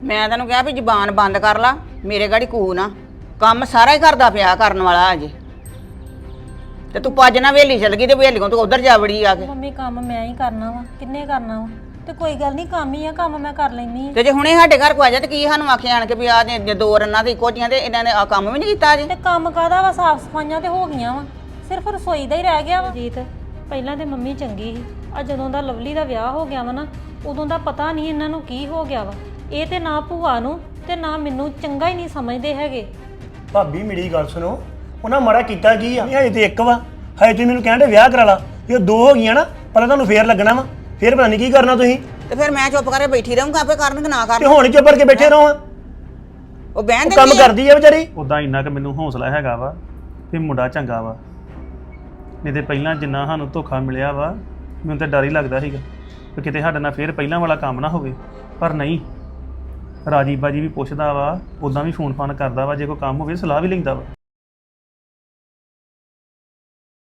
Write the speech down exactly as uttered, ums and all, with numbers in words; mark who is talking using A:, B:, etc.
A: ਮੈਂ ਤੈਨੂੰ ਕਿਹਾ ਵੀ ਜ਼ੁਬਾਨ ਬੰਦ ਕਰ ਲਾ, ਮੇਰੇ ਗਾੜੀ ਕੂ ਨਾ। ਕੰਮ ਸਾਰਾ ਹੀ ਕਰਦਾ ਪਿਆ ਕਰਨ ਵਾਲਾ ਅਜੇ, ਤੇ ਤੂੰ ਭੱਜ ਨਾ ਵੇਲੀ ਚਲ ਗਈ ਤੇ ਵੇਲੀਓਂ ਤੂੰ ਉਧਰ ਜਾ ਵੜੀ ਆ ਕੇ।
B: ਮੰਮੀ ਕੰਮ ਮੈਂ ਹੀ ਕਰਨਾ ਵਾ, ਕਿੰਨੇ ਕਰਨਾ ਵਾ? ਤੇ ਕੋਈ ਗੱਲ ਨਹੀਂ, ਕੰਮ ਹੀ ਆ, ਕੰਮ ਮੈਂ ਕਰ ਲੈਣੀ।
A: ਤੇ ਜੇ ਹੁਣੇ ਸਾਡੇ ਘਰ ਕੋ ਆ ਜਾ ਤੇ ਕੀ ਸਾਨੂੰ ਆਖੇ ਆਣ ਕੇ ਵੀ ਆ ਜੇ ਦੋ ਰੰਨਾਂ ਤੇ ਇੱਕੋ ਜੀਆਂ ਤੇ ਇਹਨਾਂ ਨੇ ਆ ਕੰਮ ਵੀ ਨਹੀਂ ਕੀਤਾ ਅਜੇ।
B: ਤੇ ਕੰਮ ਕਾਹਦਾ ਵਾ, ਸਾਫ ਸਫਾਈਆਂ ਤੇ ਹੋ ਗਈਆਂ ਵਾ, ਸਿਰਫ ਰਸੋਈ ਦਾ ਹੀ ਰਹਿ ਗਿਆ ਵਾ। ਜੀਤ ਪਹਿਲਾਂ ਤੇ ਮੰਮੀ ਚੰਗੀ ਸੀ, ਆ ਜਦੋਂ ਦਾ ਲਵਲੀ ਦਾ ਵਿਆਹ ਹੋ ਗਿਆ ਵਾ ਨਾ, ਉਦੋਂ ਦਾ ਪਤਾ ਨਹੀਂ ਇਹਨਾਂ ਨੂੰ ਕੀ ਹੋ ਗਿਆ ਵਾ। ਇਹ ਤੇ ਨਾ ਭੂਆ ਨੂੰ ਤੇ ਨਾ ਮੈਨੂੰ ਚੰਗਾ ਹੀ ਨਹੀਂ ਸਮਝਦੇ ਹੈਗੇ।
C: ਭਾਬੀ ਮੇਰੀ ਗੱਲ ਸੁਣੋ, ਉਹਨਾਂ ਮਾੜਾ ਕੀਤਾ ਕੀ ਆ? ਹਜੇ ਤੇ ਇੱਕ ਵਾ, ਹਜੇ ਤੁਸੀਂ ਮੈਨੂੰ ਕਹਿੰਦੇ ਵਿਆਹ ਕਰਾ ਲਾ। ਜੇ ਦੋ ਹੋ ਗਈਆਂ ਨਾ, ਪਹਿਲਾਂ ਤੁਹਾਨੂੰ ਫੇਰ ਲੱਗਣਾ ਵਾ, ਫੇਰ ਪਤਾ ਨਹੀਂ ਕੀ ਕਰਨਾ ਤੁਸੀਂ।
A: ਤੇ ਫਿਰ ਮੈਂ ਚੁੱਪ ਕਰਕੇ ਬੈਠੀ ਰਹੂੰਗਾ, ਆਪੇ ਕਰਨ ਕਿ ਨਾ
C: ਤੇ
A: ਕਰਨ।
C: ਹੁਣ ਹੀ ਚੁੱਪ ਕਰਕੇ ਬੈਠੇ ਰਹੋ।
A: ਉਹ ਬਹਿਣ
C: ਉਹ ਕੰਮ
A: ਦਿੰਦੀ ਆ।
C: ਕਰਦੀ ਆ ਵਿਚਾਰੀ।
D: ਉਦਾਂ ਇੰਨਾ ਕਿ ਮੈਨੂੰ ਹੌਸਲਾ ਹੈਗਾ ਵਾ ਵੀ ਮੁੰਡਾ ਚੰਗਾ ਵਾ, ਨਹੀਂ ਤੇ ਪਹਿਲਾਂ ਜਿੰਨਾ ਸਾਨੂੰ ਧੋਖਾ ਮਿਲਿਆ ਵਾ ਮੈਨੂੰ ਤਾਂ ਡਰ ਹੀ ਲੱਗਦਾ ਸੀਗਾ ਕਿ ਕਿਤੇ ਸਾਡੇ ਨਾਲ ਫੇਰ ਪਹਿਲਾਂ ਵਾਲਾ ਕੰਮ ਨਾ ਹੋਵੇ। ਪਰ ਨਹੀਂ, ਰਾਜੀ ਬਾਜੀ ਵੀ ਪੁੱਛਦਾ ਵਾ, ਉਦਾਂ ਵੀ ਫੋਨ ਫਾਨ ਕਰਦਾ ਵਾ, ਜੇ ਕੋਈ ਕੰਮ ਹੋਵੇ ਸਲਾਹ ਵੀ ਲੈਂਦਾ ਵਾ।